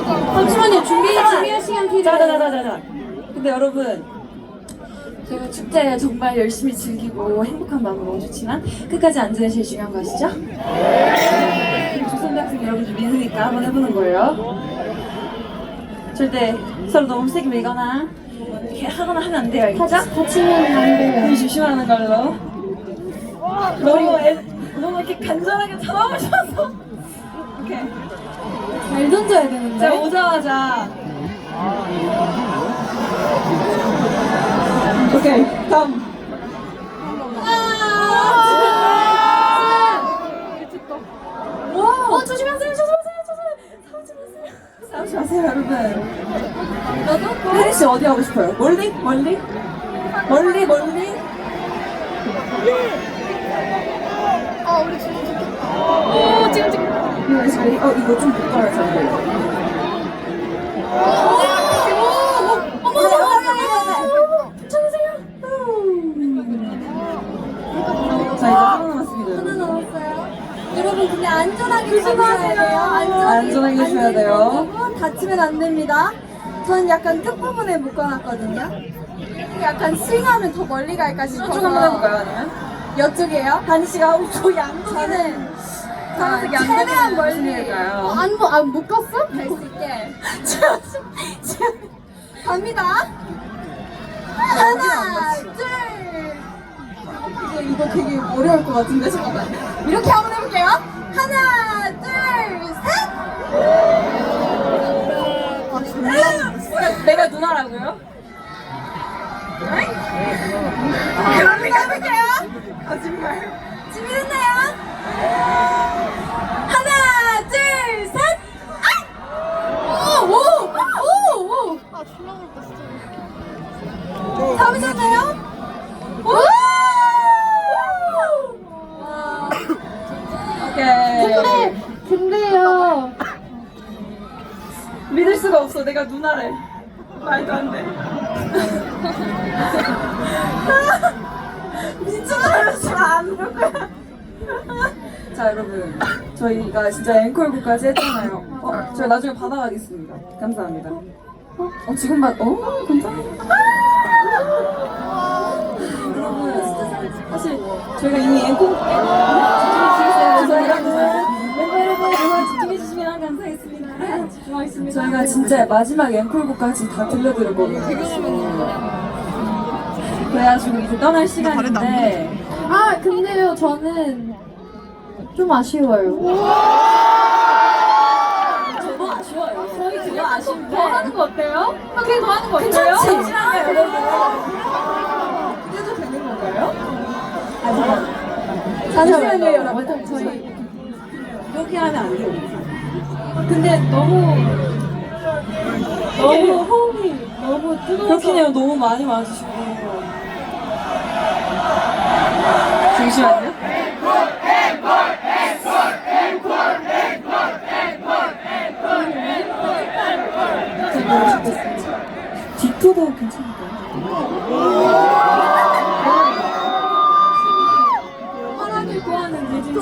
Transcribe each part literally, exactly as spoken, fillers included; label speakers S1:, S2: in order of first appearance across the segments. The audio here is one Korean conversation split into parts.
S1: 잠시만요. 준비 준비할 시간 필요해요.
S2: 자자자자자. 근데 여러분, 저희가 축제 정말 열심히 즐기고 행복한 마음으로 너무 좋지만 끝까지 안전이 제일 중요한 거 아시죠? 네. 조선대학생 여러분들 믿으니까 한번 해보는 거예요. 절대 서로 너무 세게 밀거나 이렇게 하거나 하면 안 돼요, 알겠죠?
S1: 다치면 안 돼요.
S2: 우리 조심하는 걸로. 너무 애, 너무 이렇게 간절하게 잡아보셔서. 오케이.
S1: 잘 던져야 되는데.
S2: 제가 오자마자. 오케이, 다음.
S1: 어, 조심하세요, 조심하세요, 조심하세요. 싸우지 마세요.
S2: 싸우지 마세요, 여러분. 혜리 씨 어디 하고 싶어요? 멀리? 멀리? 멀리, 멀리?
S1: 어, 우리 지금 지금. 오, 지금 지금.
S2: 이거 자리, 어, 이거 좀 볼까요, 자리?
S1: 어머, 괜찮으세요?
S2: 자, 이제 하나 남았습니다.
S1: 하나
S2: 여러분.
S1: 남았어요. 여러분 근데 안전하게 조심하세요. 안전하게,
S2: 안전하게 주셔야 돼요.
S1: 안전하고 다치면 안 됩니다. 저는 약간 끝부분에 묶어놨거든요. 약간 스윙하면 더 멀리 갈까 싶어서.
S2: 쭉 한번 해볼까요, 아니면?
S1: 이쪽이에요?
S2: 다니 씨가 저 양쪽에는
S1: 저는
S2: 파란색이 안
S1: 최대한
S2: 되는
S1: 멀리.
S2: 무슨일까요?
S1: 안, 뭐, 안 묶었어? 갈 수 있게. 갑니다. 하나, 둘.
S2: 이거, 이거 되게 어려울 것 같은데, 잠깐만.
S1: 이렇게 한번 해볼게요. 하나, 둘, 셋.
S2: 내가 누나라고요?
S1: 그럼 해볼게요.
S2: 거짓말.
S1: 준비됐나요? 하나, 둘, 셋. 아! 오, 오, 오, 오. 아, 졸라 어렵다, 진짜. 잡으셨나요? 오!
S2: 오케이.
S1: 근데, 근데요.
S2: 믿을 수가 없어. 내가 누나래. 말도 안 돼. 미쳐버렸어. 안볼 거야. 자, 여러분. 저희가 진짜 앵콜곡까지 했잖아요. 어, 저희 나중에 받아가겠습니다. 감사합니다. 어, 지금 받, 어, 감사합니다. 여러분, 사실 저희가 이미 앵콜, 집중해주시겠어요. 여러분. 멤버 여러분, 정말 집중해주시면 감사하겠습니다. 집중하겠습니다. 저희가 진짜 마지막 앵콜곡까지 다 들려드릴 거거든요. 그래가지고 이제 떠날 시간인데.
S1: 아, 근데요, 저는 좀 아쉬워요.
S2: 저도 아쉬워요. 저희 그거 아쉬운데.
S1: 더 하는 거 어때요? 그게 더 하는 거 어때요?
S2: 괜찮지? 여러분. 그래도 되는 건가요? 아, 잠깐만. 잠시만요, 여러분. 저희 이렇게 하면 안 돼요. 근데 너무 너무 호흡이 너무 뜨거워서 그렇긴 해요. 너무 많이 와주시고. 잠시만요. 디토도 괜찮을까요? 허락을 구하는 예진 씨.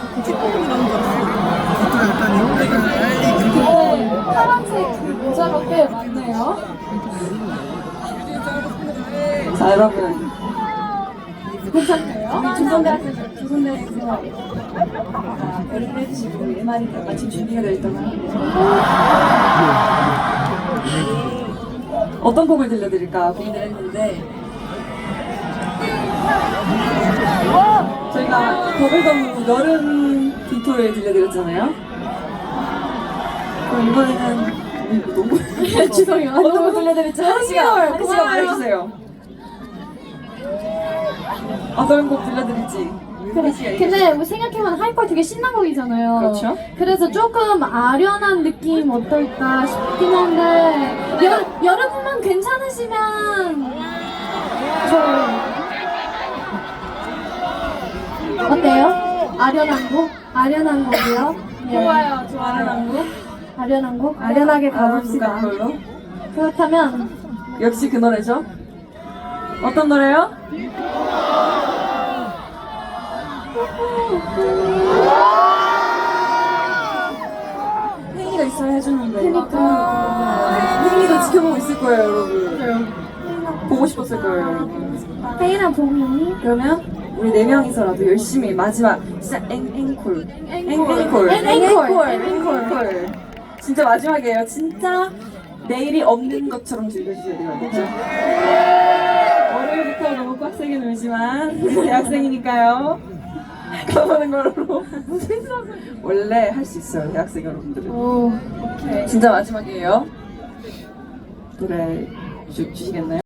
S1: 근데 파란색 그 모자가 꽤 많네요.
S2: 자, 여러분.
S1: 괜찮나요?
S2: 우리 조선대학생, 조선대학생 여러분 해주시고 엠알이 마침 준비가 되어 있다고 하는데 어떤 곡을 들려드릴까 고민을 했는데 저희가 버블덤 여름 디토를 들려드렸잖아요. 그럼 이번에는 너무
S1: 죄송해요.
S2: 어떤 곡 들려드릴지 하리 씨가 하리 씨가 말해주세요. 어떤 곡 들려드릴지.
S1: 근데 뭐 생각해보면 하이퍼 되게 신난 곡이잖아요.
S2: 그렇죠.
S1: 그래서 조금 아련한 느낌 어떨까 싶긴 한데 여, 여러분만 괜찮으시면 좋아요. 어때요? 아련한 곡? 아련한 곡이요? 네.
S2: 좋아요, 좋아요. 곡.
S1: 아련한 곡? 아련하게 가봅시다.
S2: 아, 걸로.
S1: 그렇다면
S2: 역시 그 노래죠. 어떤 노래요? 혜인이가 있어야 해주는데.
S1: 그러니까.
S2: 혜인이도 지켜보고 있을 거예요, 여러분. 보고 싶었을 거예요, 여러분.
S1: 혜인아 보니?
S2: 그러면 우리 네 명이서라도 열심히 마지막 진짜 앵, 앵콜. 앵, 앵콜.
S1: 앵콜.
S2: 앵콜. 앵콜. 진짜 마지막이에요. 진짜 내일이 없는 것처럼 즐겨주셔야 돼요. 그렇죠? 월요일부터 너무 빡세게 놀지만 대학생이니까요. 가보는 걸로. 원래 할 수 있어요, 대학생 여러분들은.
S1: 오.
S2: 진짜 마지막이에요. 노래 주, 주시겠나요?